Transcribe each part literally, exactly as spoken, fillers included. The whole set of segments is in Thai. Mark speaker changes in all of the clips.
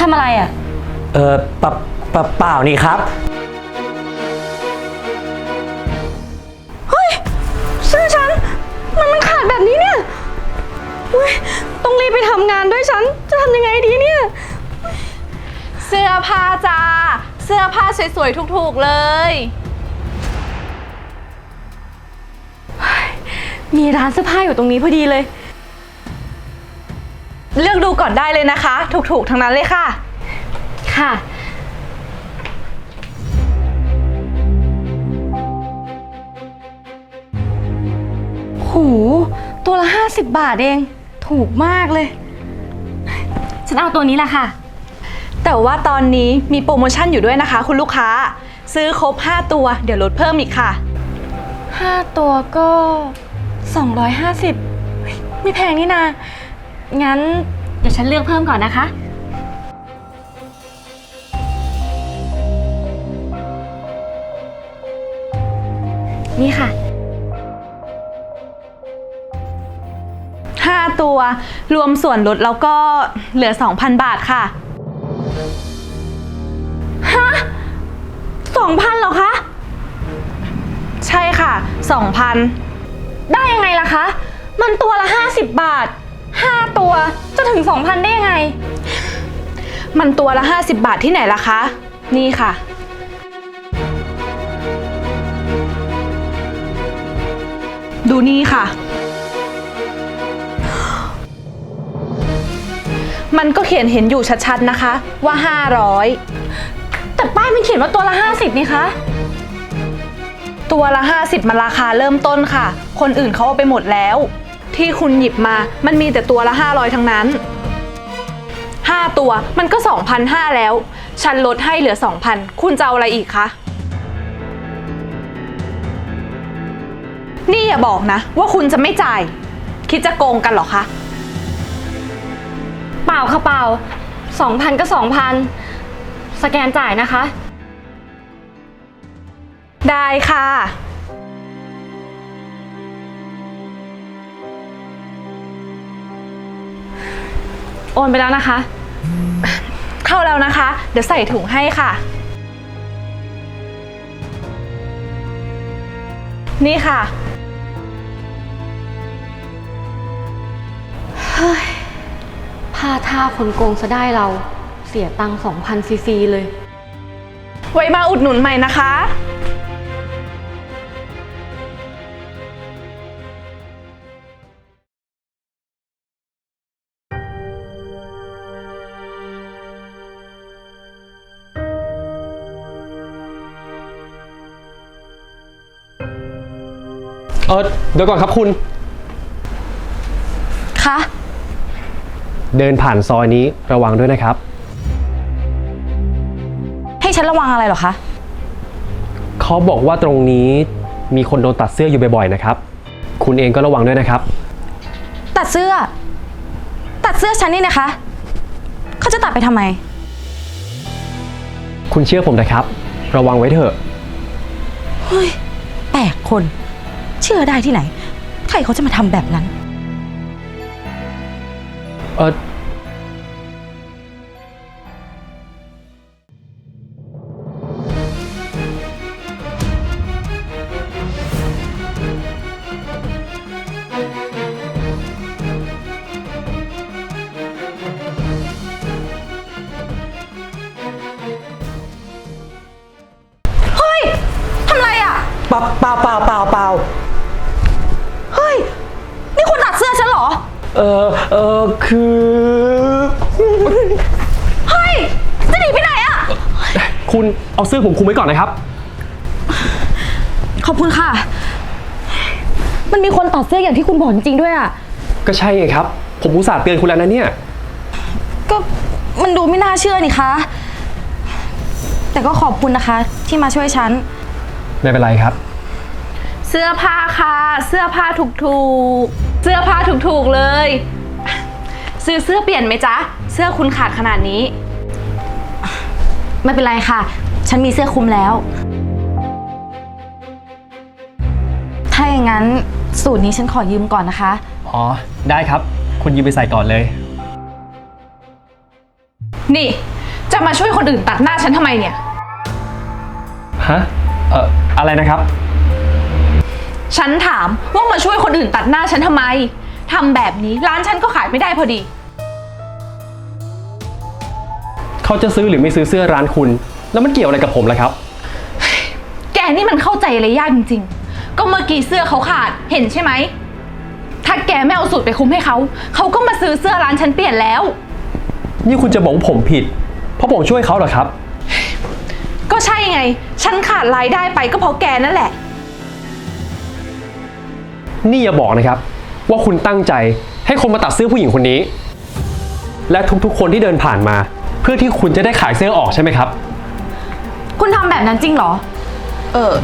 Speaker 1: ทำอะไรอ่ะ
Speaker 2: เออปะปะเปล่านี่ครับ
Speaker 1: เฮ้ยเสื้อฉันมันมันขาดแบบนี้เนี่ยต้องรีบไปทำงานด้วยฉันจะทำยังไงดีเนี่ย
Speaker 3: เสื้อผ้าจ้าเสื้อผ้าสวยๆถูกๆเลย
Speaker 1: มีร้านเสื้อผ้าอยู่ตรงนี้พอดีเลย
Speaker 3: เลือกดูก่อนได้เลยนะคะถูกๆทั้งนั้นเลยค่ะ
Speaker 1: ค่ะโหตัวละห้าสิบบาทเองถูกมากเลยฉันเอาตัวนี้แหละค่ะ
Speaker 3: แต่ว่าตอนนี้มีโปรโมชั่นอยู่ด้วยนะคะคุณลูกค้าซื้อครบห้าตัวเดี๋ยวลดเพิ่มอีกค่ะ
Speaker 1: ห้าตัวก็สองร้อยห้าสิบไม่แพงนี่นางั้นเดี๋ยวฉันเลือกเพิ่มก่อนนะคะนี่ค่ะ
Speaker 3: ห้าตัวรวมส่วนลดแล้วก็เหลือ สองพัน บาทค่ะ
Speaker 1: ฮะสองพันเหรอคะ
Speaker 3: ใช่ค่ะ สองพัน
Speaker 1: ได้ยังไงล่ะคะมันตัวละห้าสิบบาทห้าตัวจะถึง สองพัน ได้ยังไง
Speaker 3: มันตัวละห้าสิบบาทที่ไหนล่ะคะนี่ค่ะดูนี่ค่ะมันก็เขียนเห็นอยู่ชัดๆนะคะว่าห้าร้อย
Speaker 1: แต่ป้ายมันเขียนว่าตัวละห้าสิบนี่คะ
Speaker 3: ตัวละห้าสิบมันราคาเริ่มต้นค่ะคนอื่นเขาเอาไปหมดแล้วที่คุณหยิบมามันมีแต่ตัวละห้าร้อยทั้งนั้นห้าตัวมันก็ สองพันห้าร้อย แล้วฉันลดให้เหลือ สองพัน คุณจะเอาอะไรอีกคะนี่อย่าบอกนะว่าคุณจะไม่จ่ายคิดจะโกงกันเหรอคะ
Speaker 1: เปล่าค่ะเปล่า สองพัน ก็ สองพัน สแกนจ่ายนะคะ
Speaker 3: ได้ค่ะ
Speaker 1: โอนไปแล้วนะคะ
Speaker 3: เข้าแล้วนะคะเดี๋ยวใส่ถุงให้ค่ะนี่ค่ะ
Speaker 1: เฮ้ยพาท่าคนโกงซะได้เราเสียตังค์ สองพัน ฟรีๆเลย
Speaker 3: ไว้มาอุดหนุนใหม่นะคะ
Speaker 4: เออเดี๋ยวก่อนครับคุณ
Speaker 3: คะ
Speaker 4: เดินผ่านซอยนี้ระวังด้วยนะครับ
Speaker 1: ให้ฉันระวังอะไรเหรอคะ
Speaker 4: เขาบอกว่าตรงนี้มีคนโดนตัดเสื้ออยู่บ่อยๆนะครับคุณเองก็ระวังด้วยนะครับ
Speaker 1: ตัดเสื้อตัดเสื้อฉันนี่นะคะเขาจะตัดไปทำไม
Speaker 4: คุณเชื่อผมนะครับระวังไว้เถอะ
Speaker 1: เฮ้ยแปลกคนเชื่อได้ที่ไหนใครเขาจะมาทำแบบนั้น
Speaker 4: เออ
Speaker 1: เฮ้ยทำไรอ่ะ
Speaker 2: เปล่าเปล่าเปล่าเปล่าเปล่า
Speaker 1: เฮ้ยนี่คุณตัดเสื้อฉันเหรอ
Speaker 2: เออเออคือ
Speaker 1: เฮ้ยจะหนีไปไหนอะ
Speaker 4: คุณเอาเสื้อผมคุมไว้ก่อนนะครับ
Speaker 1: ขอบคุณค่ะมันมีคนตัดเสื้ออย่างที่คุณบอกจริงๆด้วยอะ
Speaker 4: ก็ใช่ไงครับผมอุตส่าห์เตือนคุณแล้วนะเนี่ย
Speaker 1: ก็มันดูไม่น่าเชื่อนี่คะแต่ก็ขอบคุณนะคะที่มาช่วยฉัน
Speaker 4: ไม่เป็นไรครับ
Speaker 3: เสื้อผ้าค่ะเสื้อผ้าถูกๆเสื้อผ้าถูกๆเลยซื้อเสื้อเปลี่ยนไหมจ๊ะเสื้อคุณขาดขนาดนี้
Speaker 1: ไม่เป็นไรค่ะฉันมีเสื้อคลุมแล้วถ้าอย่างนั้นสูตรนี้ฉันขอยืมก่อนนะคะ
Speaker 4: อ๋อได้ครับคุณยืมไปใส่ก่อนเลย
Speaker 3: นี่จะมาช่วยคนอื่นตัดหน้าฉันทำไมเนี่ย
Speaker 4: ฮะ เอ่อ อะไรนะครับ
Speaker 3: ฉันถามว่ามาช่วยคนอื่นตัดหน้าฉันทำไมทำแบบนี้ร้านฉันก็ขายไม่ได้พอดี
Speaker 4: เขาจะซื้อหรือไม่ซื้อเสื้อร้านคุณ แล้วมันเกี่ยวอะไรกับผมล่ะครับ
Speaker 3: แกนี่มันเข้าใจอะไรยากจริงๆ ก็เมื่อกี้เสื้อเขาขาด เห็นใช่ไหม ถ้าแกไม่เอาสูตรไปคุ้มให้เขา เขาก็มาซื้อเสื้อร้านฉันเปลี่ยนแล้ว
Speaker 4: นี่คุณจะบอกว่าผมผิด เพราะผมช่วยเขาเหรอครับ
Speaker 3: ก็ใช่ไง ฉันขาดรายได้ไปก็เพราะแกนั่นแหละ
Speaker 4: นี่อย่าบอกนะครับ ว่าคุณตั้งใจให้คนมาตัดเสื้อผู้หญิงคนนี้ และทุกๆคนที่เดินผ่านมา เพื่อที่คุณจะได้ขายเสื้อออกใช่ไหมครับ
Speaker 1: คุณทำแบบนั้นจริงเหรอ
Speaker 3: เออ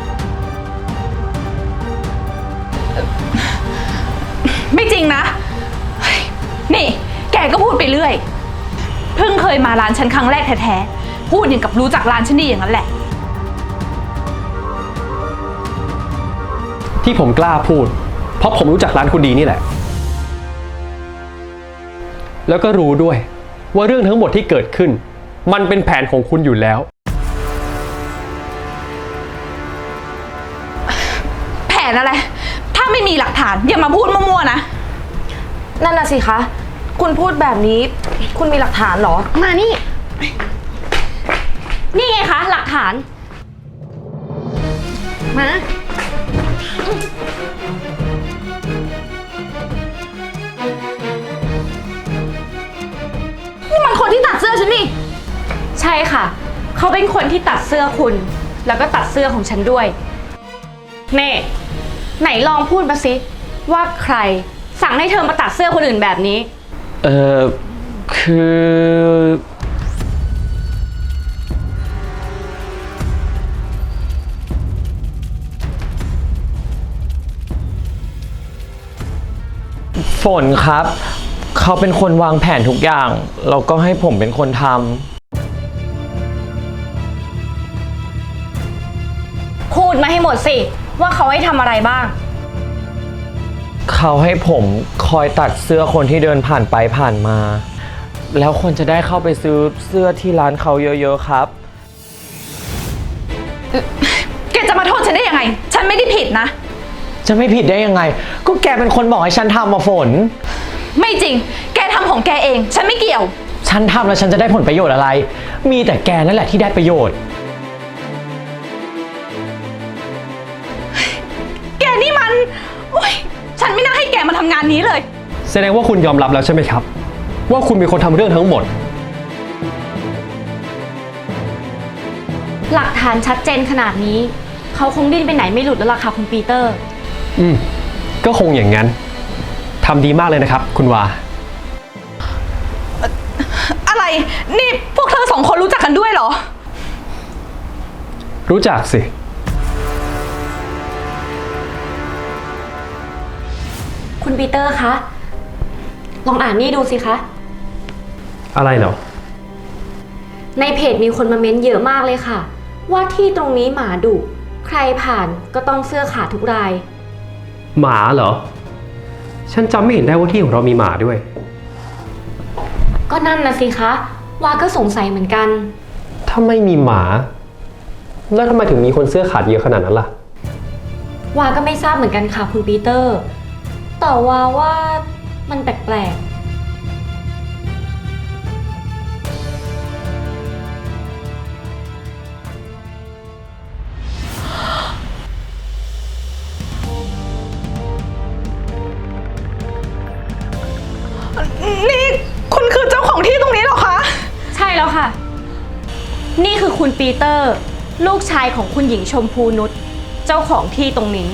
Speaker 3: ไม่จริงนะเฮ้ยนี่ แกก็พูดไปเรื่อย เพิ่งเคยมาร้านฉันครั้งแรกแท้ๆ พูดอย่างกับรู้จักร้านฉันดีอย่างนั้นแหละ
Speaker 4: ที่ผมกล้าพูด เพราะผมรู้จักร้านคุณดีนี่แหละ แล้วก็รู้ด้วยว่าเรื่องทั้งหมดที่เกิดขึ้น มันเป็นแผนของคุณอยู่แล้ว
Speaker 3: แผนอะไร ถ้าไม่มีหลักฐานอย่ามาพูดมั่วๆนะ
Speaker 1: นั่นน่ะสิคะ คุณพูดแบบนี้ คุณมีหลักฐานเหรอ มานี่ นี่ไงคะ หลักฐาน มา นี่มันคนที่ตัดเสื้อฉันนี่ ใช่ค่ะ เขาเป็นคนที่ตัดเสื้อคุณ แล้วก็ตัดเสื้อของฉันด้วย เน่ไหนลองพูดมาสิว่าใครสั่งให้เธอมาตัดเสื้อคนอื่นแบบนี้
Speaker 2: เออคือ ฝนครับ เขาเป็นคนวางแผนทุกอย่าง แล้วก็ให้ผมเป็นคนทำ
Speaker 1: พูดมาให้หมดสิ ว่าเขาให้ทำอะไรบ้าง
Speaker 2: เขาให้ผมคอยตัดเสื้อคนที่เดินผ่านไปผ่านมา แล้วคนจะได้เข้าไปซื้อเสื้อที่ร้านเขาเยอะๆครับ
Speaker 3: แกจะมาโทษฉันได้ยังไง ฉันไม่ได้ผิดนะ
Speaker 2: จะไม่ผิดได้ยังไง ก็แกเป็นคนบอกให้ฉันทำมาฝน
Speaker 3: ไม่จริง แกทำของแกเอง ฉันไม่เกี่ยว
Speaker 2: ฉันทำแล้วฉันจะได้ผลประโยชน์อะไร มีแต่แกนั่นแหละที่ได้ประโยชน์
Speaker 3: แกนี่มันโอ๊ยฉันไม่น่าให้แกมาทำงานนี้เลย
Speaker 4: แสดงว่าคุณยอมรับแล้วใช่ไหมครับ ว่าคุณเป็นคนทำเรื่องทั้งหมด
Speaker 1: หลักฐานชัดเจนขนาดนี้ เขาคงดิ้นไปไหนไม่หลุดแล้วล่ะค่ะคุณปีเตอร์
Speaker 4: อืม ก็คงอย่างนั้นทำดีมากเลยนะครับ คุณวา
Speaker 3: อะไร นี่พวกเธอสองคนรู้จักกันด้วยเหรอ
Speaker 4: รู้จักสิ
Speaker 1: คุณปีเตอร์คะ ลองอ่านนี่ดูสิคะ
Speaker 4: อะไรเหรอ
Speaker 1: ในเพจมีคนมาเม้นเยอะมากเลยค่ะ ว่าที่ตรงนี้หมาดุ ใครผ่านก็ต้องเสื้อขาดทุกราย
Speaker 4: หมาเหรอ ฉันจำไม่เห็นได้ว่าที่ของเรามีหมาด้วย
Speaker 1: ก็นั่นนะสิคะ วาก็สงสัยเหมือนกัน
Speaker 4: ถ้าไม่มีหมา แล้วทำไมถึงมีคนเสื้อขาดเยอะขนาดนั้นล่ะ
Speaker 1: วาก็ไม่ทราบเหมือนกันค่ะคุณปีเตอร์ แต่วาว่ามันแปลกๆ
Speaker 3: นี่คุณคือเจ้าของที่ตรงนี้เหรอคะ
Speaker 1: ใช่แล้วค่ะ นี่คือคุณปีเตอร์ ลูกชายของคุณหญิงชมพูนุชเจ้าของที่ตรงนี้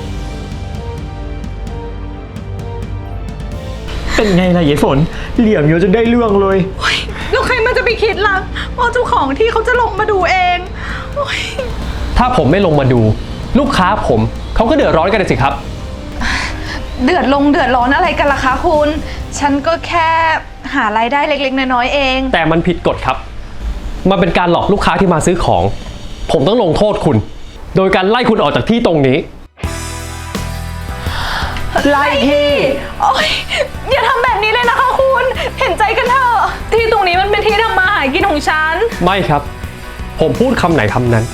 Speaker 2: เป็นไงล่ะยายฝน เหลี่ยมเยอะจนได้เรื่องเลย
Speaker 3: แล้วใครมันจะไปคิดล่ะว่าเจ้าของที่เขาจะลงมาดูเองโอ๊ย
Speaker 4: ถ้าผมไม่ลงมาดู ลูกค้าผมเขาก็เดือดร้อนกันเลยสิครับ
Speaker 3: เดือดลงเดือดร้อนอะไรกันล่ะคะคุณ ฉันก็แค่หารายได้เล็กๆน้อยๆเอง
Speaker 4: แต่มันผิดกฎครับ มันเป็นการหลอกลูกค้าที่มาซื้อของ ผมต้องลงโทษคุณ โดยการไล่คุณออกจากที่ตรงนี้
Speaker 2: ไล่ที่
Speaker 3: โอ๊ยอย่าทำแบบนี้เลยนะคะคุณ เห็นใจกันเถอะที่ตรงนี้มันเป็นที่ทำมาหากินของฉัน
Speaker 4: ไม่ครับ ผมพูดคำไหนคำนั้น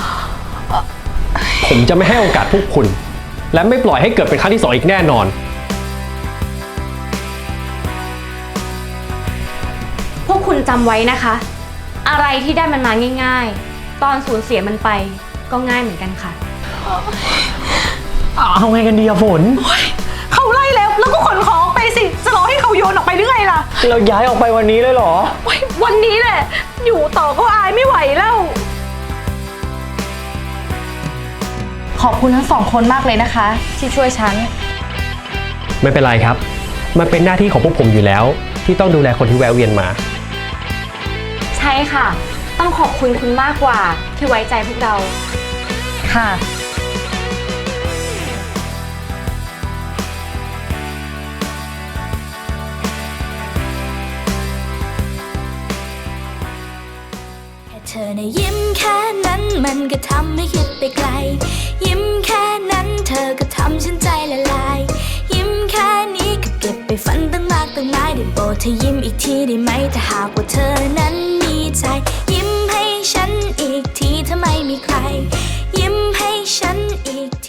Speaker 4: ผมจะไม่ให้โอกาสพวกคุณ และไม่ปล่อยให้เกิดเป็นครั้งที่สองอีกแน่นอน
Speaker 1: พวกคุณจำไว้นะคะ อะไรที่ได้มันมาง่ายๆ ตอนสูญเสียมันไปก็ง่ายเหมือนกันค่ะ
Speaker 2: เอาไงกันดีอะฝน
Speaker 3: เขาไล่แล้วแล้วก็ขนของออกไปสิ จะรอให้เขาโยนออกไปหรือไงล่ะ
Speaker 2: เราย้ายออกไปวันนี้เลยเหรอ
Speaker 3: โอ๊ยวันนี้แหละ อยู่ต่อก็อายไม่ไหวแล้ว
Speaker 1: ขอบคุณทั้งสองคนมากเลยนะคะ ที่ช่วยฉัน
Speaker 4: ไม่เป็นไรครับ มันเป็นหน้าที่ของพวกผมอยู่แล้ว ที่ต้องดูแลคนที่แวะเวียนมา
Speaker 1: ใช่ค่ะ ต้องขอบคุณคุณมากกว่าที่ไว้ใจพวกเรา
Speaker 3: ค่ะ
Speaker 5: แค่เธอในะยิ้มแค่นั้นมันก็ทำให้คิดไปไกล ยิ้มแค่นั้นเธอก็ทำฉันใจละลาย ยิ้มแค่นี้ก็เก็บไปฝันตั้งมากตั้งหลายได้โปรดเธอยิ้มอีกทีได้ไหมถ้าหากว่าเธอนั้นมีใจ ยิ้มให้ฉันอีกทีถ้าไม่มีใคร ยิ้มให้ฉันอีก